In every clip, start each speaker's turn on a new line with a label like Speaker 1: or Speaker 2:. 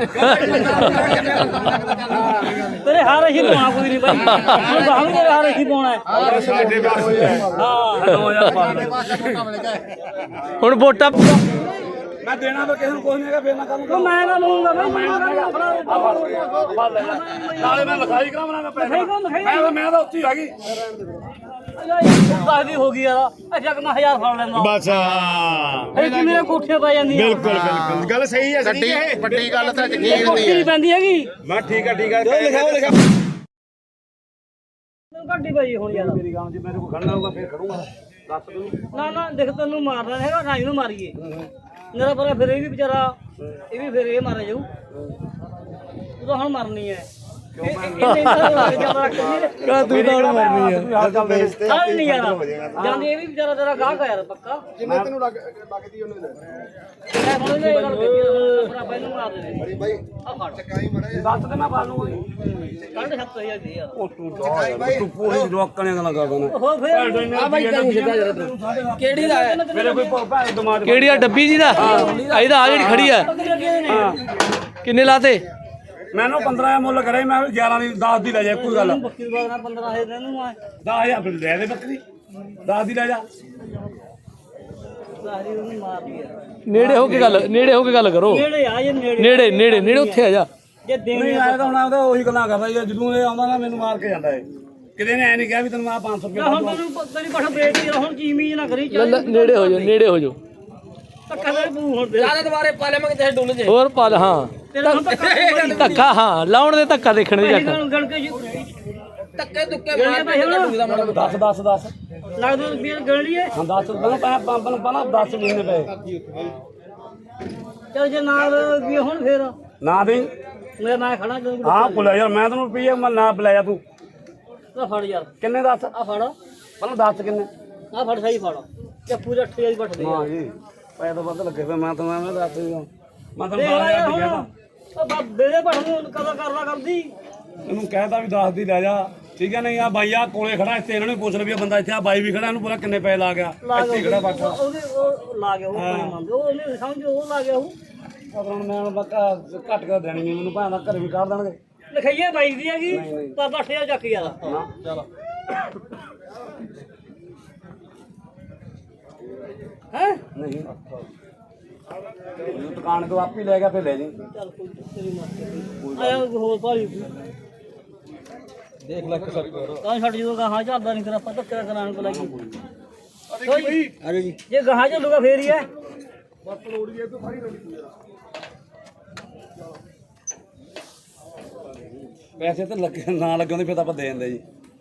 Speaker 1: ਤੇਰੇ ਹਾਰ ਹੀ ਪਾਉਣਾ ਕੋਈ ਨਹੀਂ ਬਾਈ ਹੁਣ ਬਾਹਰ ਤੇਰੇ ਹਾਰ ਹੀ ਪਾਉਣਾ
Speaker 2: ਹੁਣ ਵੋਟਾਂ
Speaker 3: ਮੈਂ ਦੇਣਾ ਤਾਂ ਕਿਸੇ ਨੂੰ ਕੁਝ ਨਹੀਂ ਹੈਗਾ ਫੇਰ ਨਾ ਕਰੂੰਗਾ
Speaker 1: ਮੈਂ ਨਾ ਲਊਂਗਾ ਬਾਈ
Speaker 3: ਨਾਲੇ ਮੈਂ ਲਿਖਾਈ ਕਰਾਉਣਾ ਮੈਂ ਪੈਸੇ ਮੈਂ ਤਾਂ ਉੱਥੇ ਹੀ ਆ ਗਈ
Speaker 1: ਦੱਸਦੀ ਹੋ ਗਈ ਯਾਰ ਅੱਛਾ ਕਿ ਮੈਂ 1000 ਫੜ ਲੈਂਦਾ
Speaker 4: ਬਸ
Speaker 1: ਇਹ ਕਿ ਮੇਰੇ ਕੋਠੇ ਪੈ ਜਾਂਦੀ
Speaker 4: ਬਿਲਕੁਲ ਬਿਲਕੁਲ ਗੱਲ ਸਹੀ ਹੈ ਵੱਡੀ ਗੱਲ ਤਾਂ ਯਕੀਨ
Speaker 1: ਕੋਠੀ ਪੈਂਦੀ ਹੈਗੀ
Speaker 4: ਮੈਂ ਠੀਕ ਹੈ ਲਿਖਾ
Speaker 1: ਗੱਡੀ ਪਈ ਹੁਣ ਯਾਰ
Speaker 3: ਮੇਰੀ ਗਾਂ ਜੇ ਮੇਰੇ ਕੋਲ ਖੜਨਾ ਹੋਊਗਾ ਫੇਰ ਖੜੂੰਗਾ ਦੱਸ ਤੂੰ
Speaker 1: ਨਾ ਨਾ ਦੇਖ ਤੈਨੂੰ ਮਾਰਨਾ ਹੈਗਾ ਰਾਈ ਨੂੰ ਮਾਰੀਏ ਮੇਰਾ ਪਰ ਫਿਰ ਇਹ ਵੀ ਵਿਚਾਰਾ ਇਹ ਵੀ ਫਿਰ ਇਹ ਮਾਰਿਆ ਜਾਊ ਤੂੰ ਤਾਂ ਹੁਣ ਮਰਨੀ ਹੈ
Speaker 2: ਤੂੰ ਤਾਂ ਹੁਣ ਮਰਨੀ ਆ
Speaker 1: ਚੱਲ ਨਹੀਂ ਯਾਰ ਜਾਂਦੀ ਇਹ ਵੀ ਵਿਚਾਰਾ ਤੇਰਾ ਗਾਹਕ ਆ ਯਾਰ ਪੱਕਾ
Speaker 4: ਜਿੰਨੇ ਤੈਨੂੰ ਲੱਗਦੀ ਉਹਨੇ
Speaker 1: ਮੈਂ ਹੁਣ ਇਹ ਗੱਲ ਕਹੀ ਭਰਾ ਇਹਨੂੰ ਮਾਰ ਦੇ
Speaker 4: ਬੜੀ ਬਾਈ
Speaker 1: ਆ ਫੜ
Speaker 4: ਚਕਾਈ ਮੜਾ
Speaker 3: ਦੱਸ ਤੇ ਮੈਂ ਪਾ ਲੂੰਗਾ
Speaker 1: ਕੱਢ 7000 ਦੇ ਯਾਰ
Speaker 3: ਉਹ ਤੂੰ ਪੂਰੀ ਰੋਕਣੇ ਗੱਲਾਂ ਕਰਦਾ ਨਾ
Speaker 1: ਉਹ ਫਿਰ
Speaker 3: ਆ ਬਾਈ ਤੈਨੂੰ ਸਿੱਧਾ ਜਰਾ ਤੂੰ ਕਿਹੜੀ ਦਾ ਮੇਰੇ ਕੋਈ ਭੈਣ ਦਿਮਾਗ
Speaker 2: ਕਿਹੜੀ ਆ ਡੱਬੀ ਜੀ ਦਾ ਇਹਦਾ ਆ ਜਿਹੜੀ ਖੜੀ ਆ ਕਿੰਨੇ ਲਾਤੇ
Speaker 3: ਮੈਨੂੰ 15 ਦਾ ਮੁੱਲ ਕਰੇ ਮੈਂ 11 ਦੀ 10 ਦੀ ਲੈ ਜਾ ਕੋਈ ਗੱਲ
Speaker 1: ਬੱਕੀ ਬਾਗ ਨਾਲ 15000 ਦੇ ਨੂੰ ਆ
Speaker 3: 10000 ਫਿਰ ਲੈ ਦੇ ਬੱਕਰੀ 10 ਦੀ ਲੈ ਜਾ
Speaker 1: ਸਾਰੀ ਉਹਨੂੰ ਮਾਰਦੀ ਯਾਰ
Speaker 2: ਨੇੜੇ ਹੋ ਕੇ ਗੱਲ ਕਰੋ
Speaker 1: ਨੇੜੇ ਆ ਜੇ ਨੇੜੇ
Speaker 2: ਨੇੜੇ ਉੱਥੇ ਆ ਜਾ
Speaker 1: ਜੇ
Speaker 3: ਨਹੀਂ
Speaker 1: ਦੇਣੀ
Speaker 3: ਆਇਆ ਤਾਂ ਹੁਣ ਆਉਂਦਾ ਉਹੀ ਗੱਲਾਂ ਕਰਦਾ ਜਦੋਂ ਇਹ ਆਉਂਦਾ ਨਾ ਮੈਨੂੰ ਮਾਰ ਕੇ ਜਾਂਦਾ ਏ ਕਿਤੇ ਨੇ ਐ ਨਹੀਂ ਕਿਹਾ ਵੀ ਤੈਨੂੰ ਆ 500 ਰੁਪਏ
Speaker 1: ਹੁਣ ਤੈਨੂੰ ਤੇਰੀ ਪਠ ਬ੍ਰੇਕ ਹੀ ਹੁਣ ਚੀਮੀ ਨਾ ਕਰੀ ਚੱਲ
Speaker 2: ਨੇੜੇ ਹੋ ਜਾਓ
Speaker 1: ਧੱਕਾ ਦੇ ਪੂ ਹੁਣ ਤੇ
Speaker 5: ਦੁਬਾਰੇ ਪਾ ਲਿਆਵਾਂਗੇ ਤੇ ਡੁੱਲ ਜੇ
Speaker 2: ਹੋਰ ਪਾ ਹਾਂ
Speaker 1: ਤੇਰਾ ਹੁਣ ਧੱਕਾ
Speaker 2: ਧੱਕਾ ਹਾਂ ਲਾਉਣ ਦੇ ਧੱਕਾ ਦੇਖਣ ਦੀ ਜੱਟ
Speaker 1: ਗਣ ਕੇ
Speaker 5: ਧੱਕੇ ਧੁੱਕੇ ਮਾਰ ਕੇ ਡੁੱਲਦਾ ਮਾੜਾ
Speaker 3: 10
Speaker 1: ਲੱਗ ਦੋ ਰੁਪਏ ਗਣ ਲਈਏ
Speaker 3: ਹਾਂ 10 ਪਹਿਲਾਂ ਪੰਪ ਨੂੰ ਪਹਿਲਾਂ 10 ਮਹੀਨੇ ਪਏ
Speaker 1: ਚੱਲ ਜੇ ਨਾਲ ਵੀ ਹੁਣ ਫੇਰ
Speaker 3: ਨਾ ਦੇ
Speaker 1: ਮੈਂ ਖੜਾ ਜਦੋਂ
Speaker 3: ਹਾਂ ਭੁੱਲਿਆ ਯਾਰ ਮੈਂ ਤੈਨੂੰ ਰੁਪਈਏ ਮੈਂ ਨਾ ਬੁਲਾਇਆ ਤੂੰ
Speaker 1: ਆ ਫੜ ਯਾਰ
Speaker 3: ਕਿੰਨੇ ਦੱਸ
Speaker 1: ਆ ਫੜ
Speaker 3: ਪਹਿਲਾਂ 10 ਕਿੰਨੇ
Speaker 1: ਆ ਫੜ ਸਹੀ ਫੜ ਤੇ ਪੂਰਾ 8000 ਬੱਠ ਦੇ
Speaker 3: ਹਾਂ ਜੀ ਪੈਸੇ ਤਾਂ ਵੱਧ ਲੱਗੇ ਫਿਰ ਮੈਂ ਤਾਂ ਮੈਂ ਦੱਸ ਦਿਆਂ ਮੈਂ ਤੈਨੂੰ
Speaker 1: ਦੇਖ ਲੈ
Speaker 3: 12000 ਦੀ
Speaker 1: ਹੁਣ
Speaker 3: ਕਹਿਦਾ
Speaker 1: ਉਹ ਬਾਬੇ ਦੇ ਭੜ ਨੂੰ ਕਦੋਂ ਕਰਨਾ ਕਰਦੀ
Speaker 3: ਇਹਨੂੰ ਕਹਿਤਾ ਵੀ 10 ਦੀ ਲੈ ਜਾ ਠੀਕ ਹੈ ਨਹੀਂ ਆ ਬਾਈ ਆ ਕੋਲੇ ਖੜਾ ਇੱਥੇ ਇਹਨਾਂ ਨੂੰ ਪੁੱਛ ਲੈ ਵੀ ਬੰਦਾ ਇੱਥੇ ਆ ਬਾਈ ਵੀ ਖੜਾ ਇਹਨੂੰ ਪੂਰਾ ਕਿੰਨੇ ਪੈਸੇ ਲਾ ਗਿਆ ਇੱਥੇ ਖੜਾ ਬਾਟਾ
Speaker 1: ਉਹਦੇ ਉਹ ਲਾ ਗਿਆ ਉਹ ਪਾਣੀ ਮੰਗਦੇ ਉਹ ਉਹਨੇ ਸਮਝ ਉਹ ਲਾ ਗਿਆ ਉਹ
Speaker 3: ਪਰ ਹੁਣ ਮੈਂ ਹੁਣ ਬੱਕਾ ਘੱਟ ਕਰ ਦੇਣੀ ਨਹੀਂ ਮੈਨੂੰ ਭਾਵੇਂ ਘਰੇ ਵੀ ਕੱਢ ਦੇਣਗੇ
Speaker 1: ਲਿਖਾਈਏ ਬਾਈ ਦੀ ਹੈਗੀ ਪਰ 8000 ਚੱਕ ਯਾਰ
Speaker 3: ਚਲ
Speaker 1: ਹੈ
Speaker 3: ਨਹੀਂ ਦੁਕਾਨ ਤੋਂ ਆਪ ਹੀ ਲੈ ਗਿਆ ਫਿਰ ਲੈ ਜੀ
Speaker 1: ਚੱਲ ਕੋਈ ਤੇਰੀ ਮਰਜ਼ੀ ਆਇਆ ਹੋਰ ਭਾਈ
Speaker 2: ਦੇਖ ਲੈ ਕਿਸਰ
Speaker 1: ਕਾਂ ਛੱਡ ਜਦੋਂ ਗਾਹਾਂ ਚੱਲਦਾ ਨਹੀਂ ਤੇਰਾ ਪਤਾ ਕਿਹੜਾ ਕਰਾਣ ਕੋ ਲੱਗੀ
Speaker 2: ਆ ਜੀ
Speaker 1: ਜੇ ਗਾਹਾਂ ਚੱਲੂਗਾ ਫੇਰ ਹੀ ਹੈ
Speaker 3: ਪੈਸੇ ਤਾਂ ਲੱਗੇ ਨਾ ਲੱਗੇ ਹੁੰਦੇ ਫਿਰ ਤਾਂ ਆਪਾਂ ਦੇ ਦਿੰਦੇ ਜੀ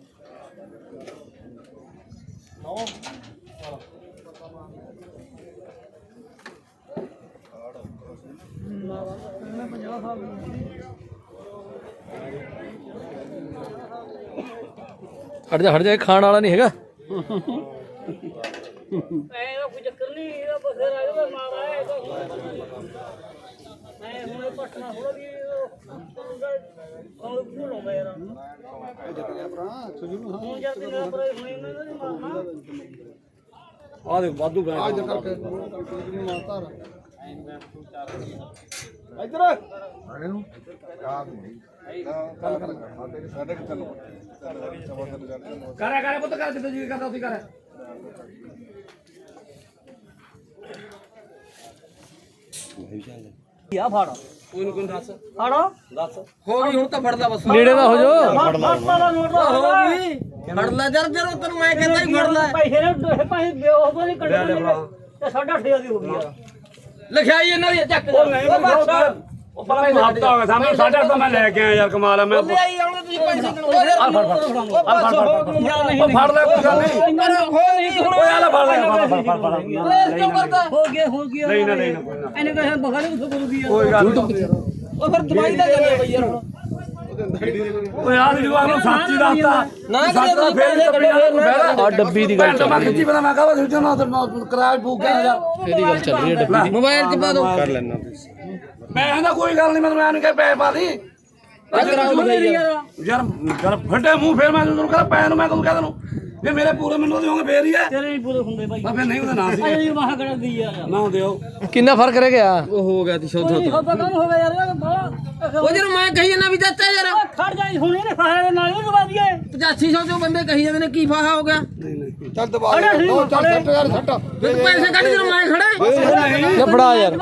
Speaker 2: ਹਟ ਜਾ ਖਾਣ ਵਾਲਾ ਨਹੀਂ ਹੈਗਾ
Speaker 1: ਐਦਾ ਕੋਈ ਚੱਕਰ ਨਹੀਂ ਇਹਦਾ ਬਸੇਰ ਆਇਆ ਮਾਰ ਆਇਆ ਮੈਂ ਹੁਣ ਪਟਨਾ ਥੋੜਾ ਵੀ ਉਹ ਲਾਉਂਦਾ ਯਾਰ ਹੁਣ ਜਦ ਤੱਕ ਪਰ ਹੁਣ ਇਹਨਾਂ ਨੇ ਮਾਰਨਾ
Speaker 3: ਆ ਦੇ ਵਾਧੂ ਬੈਠ
Speaker 4: ਇੱਧਰ ਆਣੇ ਨੂੰ ਯਾਦ ਨਹੀਂ ਸਾਡੇ ਕਿ ਤੈਨੂੰ
Speaker 3: ਕਰਿਆ ਪੁੱਤ ਕਰ ਜਿੱਦ ਜੀ ਕਰਦਾ ਉਸੇ ਕਰ
Speaker 1: ਆ ਫੜ
Speaker 3: ਕੋਈ ਨੂੰ ਦੱਸ
Speaker 1: ਫੜ
Speaker 3: ਦੱਸ
Speaker 5: ਹੋ ਗਈ ਹੁਣ ਤਾਂ ਫੜਦਾ ਬਸ
Speaker 2: ਨੇੜੇ ਦਾ ਹੋ ਜਾ
Speaker 1: ਫੜਦਾ ਦਾ ਨੋਟ ਦਾ ਹੋ ਗਈ
Speaker 5: ਫੜ ਲੈ ਜਰ ਤੈਨੂੰ ਮੈਂ ਕਹਿੰਦਾ ਹੀ ਫੜ ਲੈ
Speaker 1: ਪੈਸੇ ਨੇ ਪੈਸੇ ਬੇਹੋਸ਼ ਤੋਂ ਨਹੀਂ ਕੱਢੇ ਤੇ 8.5 ਦੀ ਹੋ ਗਈ ਯਾਰ
Speaker 5: ਲਿਖਾਈ ਇਹਨਾਂ ਦੀ ਚੱਕ
Speaker 3: ਉਹ ਨਹੀਂ ਉਹ ਪਹਿਲਾਂ ਹੀ ਹਫਤਾ ਹੋ ਗਿਆ ਸਾਹਮਣੇ 8.5 ਤਾਂ ਮੈਂ ਲੈ ਕੇ ਆਇਆ ਯਾਰ ਕਮਾਲ ਆ ਮੈਂ
Speaker 5: ਲੈ ਆਈ ਆਉਣੇ ਤੁਸੀਂ ਪੈਸੇ ਕਿਉਂ
Speaker 3: ਫੜ ਲੈ ਕੋਈ ਗੱਲ ਨਹੀਂ ਓਏ ਆਲਾ ਫੜ ਲੈ
Speaker 5: ਕਿਉਂ ਕਰਦਾ
Speaker 1: ਹੋ ਗਿਆ
Speaker 3: ਨਹੀਂ ਨਾ ਕੋਈ ਨਾ
Speaker 1: ਇਹਨੇ ਕਹਾਂ ਬਗਾੜੇ ਉੱਥੇ ਕਰੂਗੀ ਯਾਰ
Speaker 3: ਕੋਈ ਗੱਲ ਨਹੀਂ
Speaker 5: ਉਹ ਫਿਰ ਦਵਾਈ ਦਾ ਗੱਲ ਹੈ ਬਈ ਯਾਰ
Speaker 3: ਓਏ ਆ ਵੀ ਜਵਾਬ ਨੂੰ ਸੱਚੀ ਦੱਸਦਾ
Speaker 5: ਨਾ ਕਰੇ ਤੁਸੀਂ ਪੈਸੇ ਕੱਢੇ
Speaker 2: ਆ ਡੱਬੀ ਦੀ ਗੱਲ ਚੱਲ
Speaker 3: ਮੈਂ ਕਿੱਥੇ ਪਤਾ ਮੈਂ ਕਹਾਂ ਸੋਚੋ ਨਾ ਕਿਰਾਇਆ ਬੁੱਕ ਗਿਆ ਯਾਰ
Speaker 2: ਇਹਦੀ ਗੱਲ ਚੱਲ ਰਹੀ ਹੈ ਡੱਬੀ ਦੀ
Speaker 5: ਮੋਬਾਈਲ 'ਚ ਪਾ ਦੋ
Speaker 4: ਕਰ ਲੈਣਾ
Speaker 3: ਮੈਂ ਕਹਿੰਦਾ ਕੋਈ ਗੱਲ ਨਹੀਂ ਮੈਂ ਨਹੀਂ ਕਹੇ ਪੈਸੇ ਪਾ ਦੀ ਯਾਰ ਫੱਟੇ ਮੂੰਹ ਫੇਰ ਮੈਂ ਤੈਨੂੰ ਕਹਿੰਦਾ ਪੈਸੇ ਨੂੰ ਮੈਂ ਤੈਨੂੰ ਕਹਿੰਦਾ ਨੂੰ ਜੇ ਮੇਰੇ ਪੂਰੇ ਮੈਨੂੰ ਦਿਓਗੇ ਫੇਰ ਹੀ ਹੈ
Speaker 1: ਤੇਰੇ ਨਹੀਂ ਪੂਰੇ ਹੁੰਦੇ ਬਾਈ
Speaker 3: ਮੈਂ ਫੇਰ ਨਹੀਂ ਉਹਦਾ ਨਾਂ ਸੀ
Speaker 1: ਅਜੇ ਵਾਹ ਕੜਾ ਦੀ ਯਾਰ
Speaker 3: ਨਾ ਦਿਓ
Speaker 2: ਕਿੰਨਾ ਫਰਕ ਰਹਿ ਗਿਆ
Speaker 5: ਉਹ ਹੋ ਗਿਆ ਤੀ
Speaker 1: ਕੋਈ ਸੌਦਾ ਕੰਮ ਹੋ ਗਿਆ ਯਾਰ ਬਾਹਲਾ
Speaker 5: ਉਹ ਜਦੋਂ ਮੈਂ ਕਹੀ ਜਾਂਦਾ ਵੀ ਚਾਚਾ ਯਾਰ
Speaker 1: ਖੜ ਜਾਈ ਹੁਣ ਇਹਨੇ ਫਾਹਾ ਦੇ ਨਾਲ ਹੀ ਦਵਾ ਦਈਏ
Speaker 5: 8500 ਚੋਂ ਬੰਦੇ ਕਹੀ ਜਾਂਦੇ ਨੇ ਕੀ ਫਾਹਾ ਹੋ ਗਿਆ
Speaker 4: ਚੱਲ ਦਬਾ ਦੇ ਦੋ ਚੱਲ ਛੱਟ ਯਾਰ ਛੱਟ
Speaker 5: ਪੈਸੇ ਕੱਢ ਜਦੋਂ ਮੈਂ ਖੜਾ
Speaker 2: ਲੈ ਫੜਾ ਯਾਰ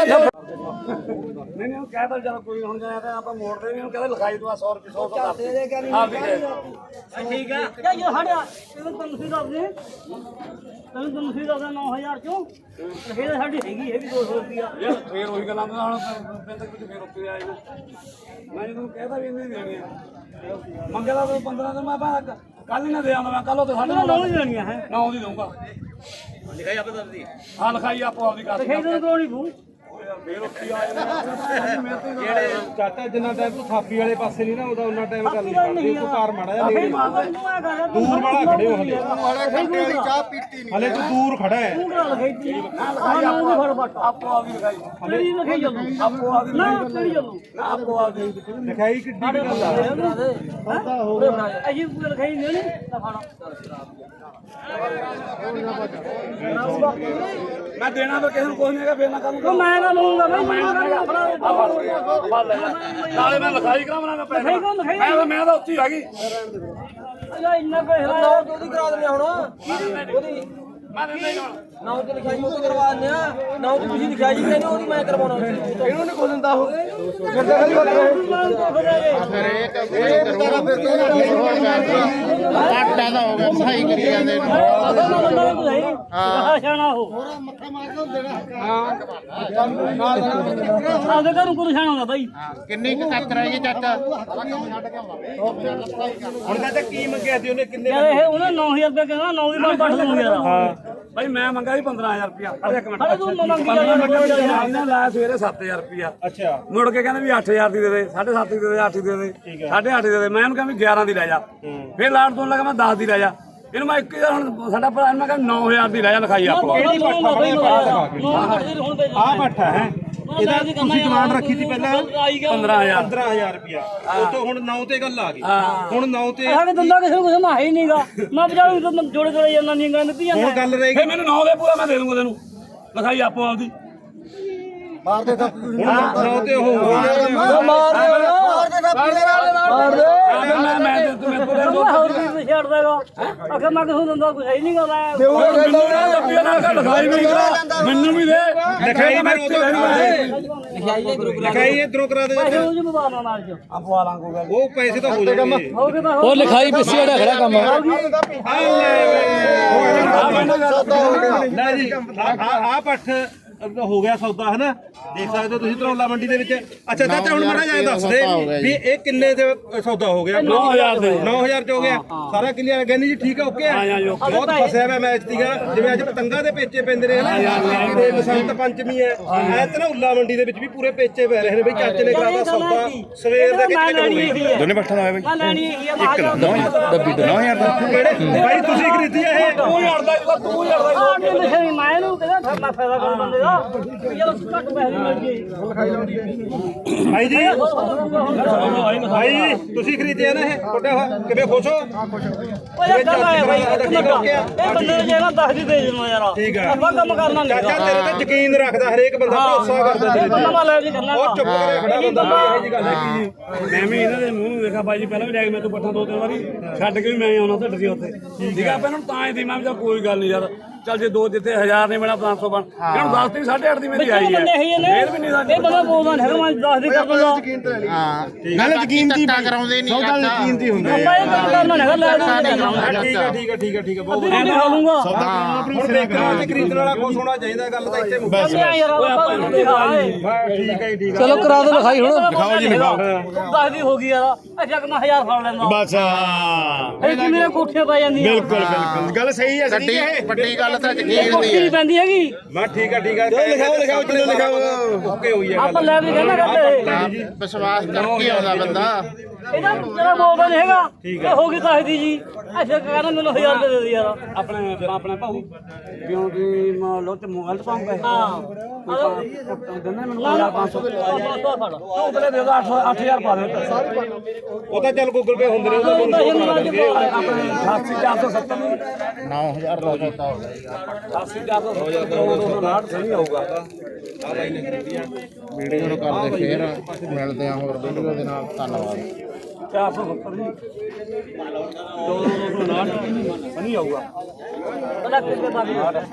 Speaker 3: ਨਹੀਂ ਉਹ ਕਹਿਦਾ ਚਲ ਕੋਈ ਹੁਣ ਜਾਇਆ ਤਾਂ ਆਪਾਂ ਮੋੜਦੇ ਨਹੀਂ ਉਹ ਕਹਿੰਦਾ ਲਿਖਾਈ ਤੂੰ 100 ਰੁਪਏ 100 ਕਰ ਦੇ ਆਪ ਵੀ
Speaker 1: ਠੀਕ ਹੈ ਕਿਆ ਇਹ ਹੜਿਆ ਤੈਨੂੰ ਤੁਸੀਂ ਦੱਸਦੇ ਤੈਨੂੰ ਤੁਸੀਂ ਦੱਸਦਾ 9000 ਚੋਂ ਇਹ ਸਾਡੀ ਹੈਗੀ ਇਹ ਵੀ 200 ਰੁਪਿਆ
Speaker 3: ਯਾਰ ਫੇਰ ਉਹੀ ਗੱਲਾਂ ਦਾ ਹੁਣ ਪਿੰਡ ਤੱਕ ਫੇਰ ਉੱਤੇ ਆਏ ਮੈਂ ਜਦੋਂ ਕਹਿਦਾ ਵੀ ਇੰਨੀ ਦੇਣੀ ਆ ਮੰਗਦਾ ਤਾਂ 15 ਦਿਨ ਮੈਂ ਕੱਲ ਹੀ ਨਾ ਦੇ ਆਉਂਦਾ ਮੈਂ ਕੱਲ ਉਹ ਤੇ ਸਾਡੇ
Speaker 1: ਨੌ ਹੀ ਲੈਣੀਆਂ ਹੈ
Speaker 3: ਨਾ ਉਹਦੀ ਦਊਂਗਾ ਲਿਖਾਈ ਆਪੇ ਦੱਸਦੀ ਹਾਂ ਲਿਖਾਈ ਆਪੋ ਆਪਦੀ ਕਰ
Speaker 1: ਲਿਖਾਈ ਤੈਨੂੰ ਕੋਣੀ ਬੂ
Speaker 3: ਫੇਰ ਉੱਤੇ ਆਏ ਜਿਹੜੇ
Speaker 6: ਚਾਚਾ ਜਿੰਨਾ ਟਾਈਮ ਤੂੰ ਥਾਪੀ ਵਾਲੇ ਪਾਸੇ ਨਹੀਂ ਨਾ ਉਹਦਾ ਉਹਨਾਂ ਟਾਈਮ ਗੱਲ ਨਹੀਂ ਕਰਦੀ ਤੂੰ ਕਾਰ ਮਾੜਾ ਜਿਹਾ ਨੇੜੇ
Speaker 1: ਦੂਰ
Speaker 6: ਵਾਲਾ ਖੜੇ ਹੋ ਹਲੇ
Speaker 4: ਮਾੜਾ ਖੱਟੇ ਵਾਲੀ ਚਾਹ ਪੀਤੀ ਨਹੀਂ
Speaker 6: ਹਲੇ ਤੂੰ ਦੂਰ ਖੜਾ ਹੈ
Speaker 1: ਤੂੰ ਗੱਲ ਲਿਖਾਈ ਫੜ ਬੱਟ
Speaker 3: ਆਪੋ ਆਪਦੀ ਲਿਖਾਈ
Speaker 1: ਤੇਰੀ ਲਿਖਾਈ ਚੱਲੂ
Speaker 3: ਆਪੋ ਆਪਦੀ
Speaker 1: ਨਾ ਤੇਰੀ ਚੱਲੂ
Speaker 3: ਆਪੋ ਆਪਦੀ
Speaker 6: ਲਿਖਾਈ ਕਿੱਡੀ ਕੁ ਗੱਲ ਆ
Speaker 1: ਅਜੀ ਪੂਰਾ ਲਿਖਾਈ ਨਹੀਂ ਤਾਂ ਫੜ
Speaker 3: ਮੈਂ ਦੇਣਾ ਤਾਂ ਕਿਸੇ ਨੂੰ ਕੁਝ ਨਹੀਂ ਹੈਗਾ ਫੇਰ ਨਾ ਕਰੂੰਗਾ
Speaker 1: ਮੈਂ ਨਾ ਲਊਂਗਾ ਬਈ ਮੈਨੂੰ
Speaker 3: ਨਾਲੇ ਮੈਂ ਲਿਖਾਈ ਕਰਾਉਣਾ ਮੈਂ ਪੈਸੇ
Speaker 1: ਲਿਖਾਈ ਕੌਣ ਲਿਖਾਈ
Speaker 3: ਮੈਂ ਤਾਂ ਉੱਥੇ ਹੀ ਆ ਗਈ
Speaker 1: ਅਜਾ ਇੰਨਾ ਕੋਈ ਹੈ
Speaker 5: ਉਹਦੀ ਕਰਾ ਦਿੰਦੇ ਹੁਣ ਉਹਦੀ
Speaker 3: ਮੈਂ ਦਿੰਦਾ ਹੀ ਹੁਣ
Speaker 5: ਨਾਉ ਤੇ ਲਿਖਾਈ ਉਹ ਕਰਵਾ ਦਿੰਦੇ ਆ ਨਾਉ ਤੇ ਤੁਸੀਂ ਲਿਖਾਈ ਜੀ ਕਹਿੰਦੇ ਉਹਦੀ ਮੈਂ ਕਰਵਾਉਣਾ ਇਹਨੂੰ ਨਹੀਂ ਕੁਝ ਦਿੰਦਾ ਉਹ
Speaker 4: ਆਟਾ ਦਾ ਹੋ ਗਿਆ ਸਹੀ ਕਰੀ ਜਾਂਦੇ ਨੇ
Speaker 1: ਸ਼ਾਨਾ ਹੋ ਆਪਦੇ ਘਰੋਂ ਕੋਈ ਸ਼ਾਨਾ ਹੁੰਦਾ ਬਾਈ
Speaker 4: ਕਿੰਨੀ ਕੁ ਤੱਕ ਰਹਿ ਗਈ ਚਾਚਾ
Speaker 6: ਹੁਣ ਚਾਚਾ ਕੀ ਮੰਗਿਆ ਸੀ ਉਹਨੇ ਕਿੰਨੇ
Speaker 1: ਯਾਰ ਇਹ ਉਹਨੇ 9000 ਰੁਪਏ ਕਹਿੰਦਾ 9 ਦੀ ਬੰਦ ਕੱਢ ਦੂੰ ਯਾਰ
Speaker 3: ਭਾਈ ਮੈਂ ਮੰਗਾ ਸੀ 15000 ਰੁਪਇਆ ਅਰੇ ਇੱਕ ਮਿੰਟ
Speaker 1: ਅਰੇ ਤੂੰ ਮੰਗੀ ਜਾ
Speaker 3: ਇਹਨੇ ਲਾਇਆ ਸਵੇਰੇ 7000 ਰੁਪਇਆ
Speaker 6: ਅੱਛਾ
Speaker 3: ਮੁੜ ਕੇ ਕਹਿੰਦੇ ਵੀ 8000 ਦੀ ਦੇ ਦੇ 7.5 ਦੀ ਦੇ ਦੇ 8 ਦੀ ਦੇ ਦੇ 8.5 ਦੇ ਦੇ ਮੈਂ ਉਹਨੂੰ ਕਿਹਾ ਵੀ 11 ਦੀ ਲੈ ਜਾ ਫਿਰ ਲਾੜ ਤੋਂ ਲੱਗਾ ਮੈਂ 10 ਦੀ ਲੈ ਜਾ ਇਹਨੂੰ ਮੈਂ 1000 ਹੁਣ ਸਾਡਾ ਭਰਾ ਮੈਂ ਕਿਹਾ 9000 ਦੀ ਲੈ ਜਾ ਲਿਖਾਈ ਆਪੋ
Speaker 1: ਕਿਹੜੀ ਹੁਣ
Speaker 6: ਆ ਪੱਠਾ ਹੈ ਇਹਦਾ ਤੁਸੀਂ ਡਿਮਾਂਡ ਰੱਖੀ ਸੀ ਪਹਿਲਾਂ
Speaker 3: 15000
Speaker 6: 15000 ਰੁਪਿਆ ਉਹ ਤੋਂ ਹੁਣ 9 ਤੇ ਗੱਲ ਆ ਗਈ ਹੁਣ 9 ਤੇ
Speaker 1: ਸਾਡੇ ਦੰਦਾ ਕਿਸੇ ਨੂੰ ਕੁਝ ਨਾ ਹੈ ਹੀ ਨਹੀਂਗਾ ਮੈਂ ਬਜਾਉਂ ਜੋੜੇ ਜੋੜੇ ਜਾਂਦਾ ਨਹੀਂ ਗਾਂ ਦਿੱਤੀ ਜਾਂਦਾ
Speaker 6: ਹੁਣ ਗੱਲ ਰਹੀ
Speaker 3: ਫਿਰ ਮੈਨੂੰ 9 ਦੇ ਪੂਰਾ ਮੈਂ ਦੇ ਦੂੰਗਾ ਤੈਨੂੰ ਲਿਖਾਈ ਆਪੋ ਆਪਦੀ
Speaker 4: ਮਾਰ ਦੇ ਤਾਂ
Speaker 6: ਹੁਣ 9 ਤੇ ਉਹ
Speaker 3: ਮੈਂ ਤੂੰ ਪੂਰਾ
Speaker 1: ਹੋਰ ਵੀ ਛੱਡ ਦੇਗਾ ਅਖੇ ਮੈਂ ਕਿਸੇ ਦੰਦਾ ਕੁਝ ਹੈ ਹੀ ਨਹੀਂਗਾ ਮੈਂ
Speaker 3: ਲਿਖਾਈ ਵੀ ਕਰਾ ਮੈਨੂੰ ਵੀ ਦੇ
Speaker 6: ਲਿਖਾਈ ਮੈਂ ਉਦੋਂ ਲਿਖਾਈ ਇਧਰੋਂ ਕਰਾ ਦੇ
Speaker 1: ਪੈਸੇ ਉਹ ਜੀ ਮਬਾਨਾ ਨਾਲ ਚ
Speaker 3: ਆਪੋ ਆਲਾਂ ਕੋ ਗੱਲ
Speaker 6: ਉਹ ਪੈਸੇ ਤਾਂ ਹੋ ਜਾਣਗੇ
Speaker 1: ਹੋ ਗਏ ਤਾਂ
Speaker 2: ਉਹ ਲਿਖਾਈ ਪਿੱਛੇ ਜਿਹੜਾ ਖੜਾ ਕੰਮ
Speaker 6: ਲੈ ਜੀ ਆ ਪੱਠ ਹੋ ਗਿਆ ਸੌਦਾ ਹਨਾ ਦੇਖ ਸਕਦੇ ਹੋ ਤੁਸੀਂ ਧਰੌਲਾ ਮੰਡੀ ਦੇ ਵਿੱਚ ਅੱਛਾ ਚਾਚਾ ਹੁਣ ਮੜਾ ਜਾਏ ਦੱਸ ਦੇ ਵੀ ਇਹ ਕਿੰਨੇ ਦੇ ਸੌਦਾ ਹੋ ਗਿਆ
Speaker 3: 9000 ਦੇ
Speaker 6: 9000 ਚ ਹੋ ਗਿਆ ਸਾਰਾ ਕਲੀਅਰ ਕਹਿੰਦੀ ਜੀ ਠੀਕ ਹੈ ਓਕੇ ਹੈ ਬਹੁਤ ਫਸਿਆ ਮੈਂ ਮੈਚ ਦੀਗਾ ਜਿਵੇਂ ਅੱਜ ਪਤੰਗਾ ਦੇ ਪੇਚੇ ਪੈਂਦੇ ਨੇ ਹਨਾ ਤੇ ਬਸੰਤ ਪੰਚਮੀ ਹੈ ਐ ਧਰੌਲਾ ਮੰਡੀ ਦੇ ਵਿੱਚ ਵੀ ਪੂਰੇ ਪੇਚੇ ਪੈ ਰਹੇ ਨੇ ਬਈ ਚਾਚੇ ਨੇ ਕਰਾਤਾ ਸੌਦਾ ਸਵੇਰ ਦੇ ਕਿੱਥੇ ਹੋ ਗਈ
Speaker 4: ਦੋਨੇ ਪੱਠਾ ਦਾ
Speaker 1: ਮੈਂ ਲੈਣੀ ਹੈਗੀ ਆ
Speaker 4: ਡੱਬੀ 9000 ਦਾ
Speaker 6: ਕਿਹੜੇ ਬਾਈ ਤੁਸੀਂ ਖਰੀਦੀ ਆ ਇਹ
Speaker 3: ਤੂੰ ਯਾਰਦਾ ਤੂੰ ਯਾਰਦਾ
Speaker 1: ਮੈਂ ਇਹਨੂੰ ਕਹਿੰਦਾ ਮੈਂ ਫਾਇਦਾ ਕਰ ਬੰਦੇ ਦਾ ਯਾਰ ਘੱਟ ਪੈਸੇ ਮਿਲ ਗਏ
Speaker 6: ਭਾਈ ਜੀ ਭਾਈ ਤੁਸੀਂ ਖਰੀਦਿਆ ਨਾ ਇਹ ਛੋਟਾ ਹੋਇਆ ਕਿਵੇਂ ਖੁਸ਼ ਹੋ
Speaker 1: ਓਏ ਯਾਰ ਗੱਲ ਆਇਆ ਬਾਈ ਇੱਕ ਮਿੰਟ ਇਹ ਬੰਦੇ ਨੂੰ ਜੇ ਨਾ 10 ਦੀ ਦੇ ਦੇਣਾ ਯਾਰ
Speaker 6: ਠੀਕ ਆ।
Speaker 1: ਆਪਾਂ ਕੰਮ ਕਰਨਾ ਨਹੀਂ
Speaker 6: ਚਾਚਾ ਤੇਰੇ ਤੇ ਯਕੀਨ ਰੱਖਦਾ ਹਰੇਕ ਬੰਦਾ ਭਰੋਸਾ ਕਰਦਾ ਤੇਰੇ ਤੇ
Speaker 1: ਬੰਦਾ ਲੈ ਜੀ ਕਰਨਾ
Speaker 6: ਉਹ ਚੁੱਪ ਕਰੇ ਖੜਾ ਬੰਦਾ ਇਹੋ ਜੀ ਗੱਲ ਹੈ ਕੀ
Speaker 3: ਮੈਂ ਵੀ ਇਹਨਾਂ ਦੇ ਮੂੰਹ ਨੂੰ ਦੇਖਾ ਬਾਈ ਜੀ ਪਹਿਲਾਂ ਵੀ ਲੈ ਕੇ ਮੈਂ ਤੋਂ ਪੱਠਾ 2-3 ਵਾਰੀ ਛੱਡ ਕੇ ਵੀ ਮੈਂ ਆਉਣਾ ਢੱਡ ਸੀ ਉੱਥੇ ਠੀਕ ਆ ਪਹਿਲਾਂ ਤਾਂ ਹੀ ਸੀ ਮੈਂ ਕਿਹਾ ਕੋਈ ਗੱਲ ਨਹੀਂ ਯਾਰ ਚੱਲ ਜੇ 2 ਜਿੱਥੇ 1000 ਨਹੀਂ ਬਣਾ 500 ਬਣ ਇਹਨੂੰ 10 ਦੀ 8.5 ਦੀ ਮੇਰੀ ਆਈ ਹੈ ਫੇਰ ਵੀ ਨਹੀਂ ਸਾਡੀ
Speaker 1: ਇਹ ਬੰਦਾ ਬੋਲਦਾ ਨਹੀਂ ਹੈਗਾ ਮੈਂ 10 ਦੀ ਕਰ ਦੂੰਗਾ
Speaker 4: ਹਾਂ ਨਾਲੇ ਯਕੀਨ ਦੀ ਕਰਾਉਂਦੇ ਨਹੀਂ ਚਾਚਾ
Speaker 6: ਯਕੀਨ ਦੀ ਹੁੰਦਾ
Speaker 1: ਆਪਾਂ ਇਹ ਕੰਮ ਕਰਨਾ ਨਹੀਂ ਹੈਗਾ ਲੈ ਦੂੰਗਾ
Speaker 6: ਠੀਕ ਹੈ ਠੀਕ ਹੈ ਠੀਕ ਹੈ ਠੀਕ ਹੈ ਬਹੁਤ
Speaker 1: ਮੈਂ ਖਾ ਲੂੰਗਾ
Speaker 6: ਹੁਣ ਦੇਖਣਾ ਤੇ ਖਰੀਦਣ ਵਾਲਾ ਖੁਸ਼ ਹੋਣਾ ਚਾਹੀਦਾ ਗੱਲ ਤਾਂ ਇੱਥੇ ਮੁੱਕ
Speaker 1: ਯਾਰ ਆਪਾਂ ਨੂੰ ਦਿਖਾ
Speaker 6: ਠੀਕ ਹੈ ਠੀਕ ਹੈ
Speaker 2: ਚਲੋ ਕਰਾ ਦੋ ਲਿਖਾਈ ਹੁਣ
Speaker 1: ਦਿਖਾਓ ਜੀ ਦਿਖਾਓ 10 ਦੀ ਹੋ ਗਈ ਯਾਰ ਅੱਛਾ ਕਿ ਮੈਂ 1000 ਫੜ ਲੈਂਦਾ
Speaker 4: ਬਸ
Speaker 1: ਇਹ ਕਿ ਮੇਰੇ ਕੋਠੇ ਪੈ ਜਾਂਦੀ ਆ
Speaker 4: ਬਿਲਕੁਲ ਗੱਲ ਸਹੀ ਹੈ ਸੱਚੀ ਵੱਡੀ ਗੱਲ ਤਾਂ ਯਕੀਨ ਦੀ
Speaker 1: ਕੋਠੀ ਨਹੀਂ ਪੈਂਦੀ ਹੈਗੀ
Speaker 6: ਮੈਂ ਠੀਕ ਹੈ ਲਿਖਾਓ ਚਲੋ ਲਿਖਾਓ ਓਕੇ ਹੋਈ ਹੈ
Speaker 1: ਆਪਾਂ ਲੈ ਵੀ ਕਹਿੰਦਾ ਕਰਦੇ
Speaker 4: ਵਿਸ਼ਵਾਸ ਕਰਕੇ ਆਉਂਦਾ ਬੰਦਾ
Speaker 1: ਇਹਦਾ ਤੇਰਾ ਬੋਲਦਾ ਨਹੀਂ ਹੈਗਾ ਇਹ ਹੋ ਗਈ 10 ਦੀ ਜੀ ਅੱਛਾ ਕਹਿੰਦਾ ਮੈਨੂੰ 1000 ਦੇ ਦੇ ਯਾਰ
Speaker 3: ਆਪਣੇ ਭਾਊ ਕਿਉਂ ਦੀ ਲੋਟ ਮੋਬਾਈਲ ਪਾਉਂਗਾ
Speaker 1: ਹਾਂ
Speaker 3: ਦਿੰਦਾ ਮੈਨੂੰ 500 ਉਤਲੇ ਦੇ ਦੋ 8000 ਪਾ ਦਿਓ
Speaker 6: ਉਹ ਤਾਂ ਚੱਲ ਗੂਗਲ ਪੇ ਹੁੰਦੇ ਨੇ ਉਹਦਾ
Speaker 3: ਆਪਣੇ 88470
Speaker 4: 9000 ਦਾ ਦਿੱਤਾ ਹੋ ਗਿਆ
Speaker 3: 88470 ਸਹੀ ਆਊਗਾ
Speaker 4: ਵੀਡੀਓ ਨੂੰ ਕਰਦੇ ਸ਼ੇਅਰ ਮਿਲਦੇ ਆ ਹੋਰ ਵੀਡੀਓ ਦੇ ਨਾਲ ਧੰਨਵਾਦ
Speaker 3: 470 ਜੀ 2259 ਸਹੀ ਆਊਗਾ
Speaker 1: ਬੜਾ ਕਿਤੇ ਬਾਕੀ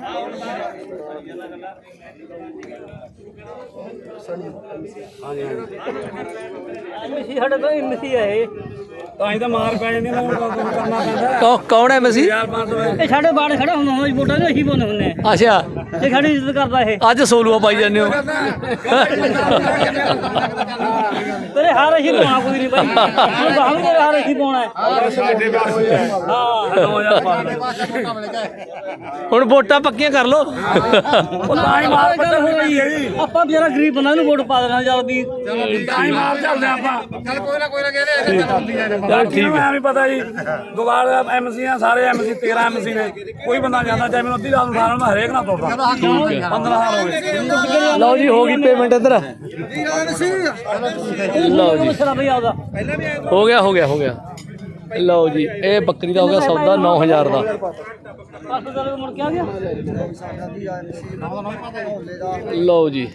Speaker 1: ਮਿਸੀ ਸਾਡੇ ਤੋਂ ਮਿਸੀ ਹੈ ਇਹ
Speaker 3: ਤਾਂ ਹੀ ਤਾਂ ਮਾਰ ਪੈ ਜਾਂਦੀ ਨਾ ਕਰਨਾ ਪੈਂਦਾ
Speaker 2: ਕੌਣ ਹੈ ਮਸੀ
Speaker 3: 1500
Speaker 1: ਇਹ ਸਾਡੇ ਬਾੜ ਖੜਾ ਹੁੰਦਾ ਹੁੰਦਾ ਵੋਟਾਂ ਨੂੰ ਅਸੀਂ ਪਾਉਂਦੇ ਹੁੰਦੇ ਆ
Speaker 2: ਅੱਛਾ
Speaker 1: ਇਹ ਸਾਡੀ ਇੱਜ਼ਤ ਕਰਦਾ ਇਹ
Speaker 2: ਅੱਜ ਸੋਲੂਆ ਪਾਈ ਜਾਂਦੇ ਹੋ
Speaker 1: ਤੇਰੇ ਹਾਰ ਅਸੀਂ ਪਾਉਣਾ ਕੋਈ ਨਹੀਂ ਬਾਈ ਹੁਣ ਬਾਹਰ ਤੇਰੇ ਹਾਰ ਅਸੀਂ ਪਾਉਣਾ ਹੈ
Speaker 4: ਸਾਡੇ ਪਾਸੇ ਹੈ
Speaker 1: ਹਾਂ
Speaker 3: 2000 ਪਾ ਦਿਓ
Speaker 2: ਹੁਣ ਵੋਟਾਂ ਪੱਕੀਆਂ ਕਰ ਲੋ
Speaker 3: ਉਹ ਤਾਂ ਹੀ ਮਾਰ
Speaker 1: ਗੱਲ ਹੋ ਰਹੀ ਹੈ ਆਪਾਂ ਵਿਚਾਰਾ ਗਰੀਬ ਬੰਦਾ ਨੂੰ ਵੋਟ ਪਾ ਦੇਣਾ ਚੱਲ ਵੀ
Speaker 3: ਤਾਂ ਹੀ ਮਾਰ ਚੱਲਦੇ ਆਪਾਂ
Speaker 4: ਚੱਲ ਕੋਈ ਨਾ ਕਹਿੰਦੇ ਚੱਲਦੀ ਆ
Speaker 3: ਚਲ ਠੀਕ ਹੈ ਵੀ ਪਤਾ ਜੀ ਦੁਬਾਰ ਐਮਸੀ ਆ ਸਾਰੇ ਐਮਸੀ 13 ਐਮਸੀ ਨੇ ਕੋਈ ਬੰਦਾ ਜਾਂਦਾ ਚਾਹੇ ਮੈਨੂੰ ਅੱਧੀ ਰਾਤ ਨੂੰ ਉਠਾਉਣ ਮੈਂ ਹਰੇਕ ਨਾਲ ਤੁਰਦਾ 15000 ਹੋਵੇ
Speaker 2: ਲਓ ਜੀ ਹੋ ਗਈ ਪੇਮੈਂਟ ਇੱਧਰ ਲਓ ਜੀ
Speaker 1: ਮਸਲਾ ਬਈ ਆਉਦਾ
Speaker 2: ਹੋ ਗਿਆ ਲਓ ਜੀ ਇਹ ਬੱਕਰੀ ਦਾ ਹੋ ਗਿਆ ਸੌਦਾ 9000 ਦਾ
Speaker 1: ਪਾਸੋਂ ਚੱਲ ਕੇ ਮੁੜ ਕੇ ਆ ਗਿਆ
Speaker 2: ਲਓ ਜੀ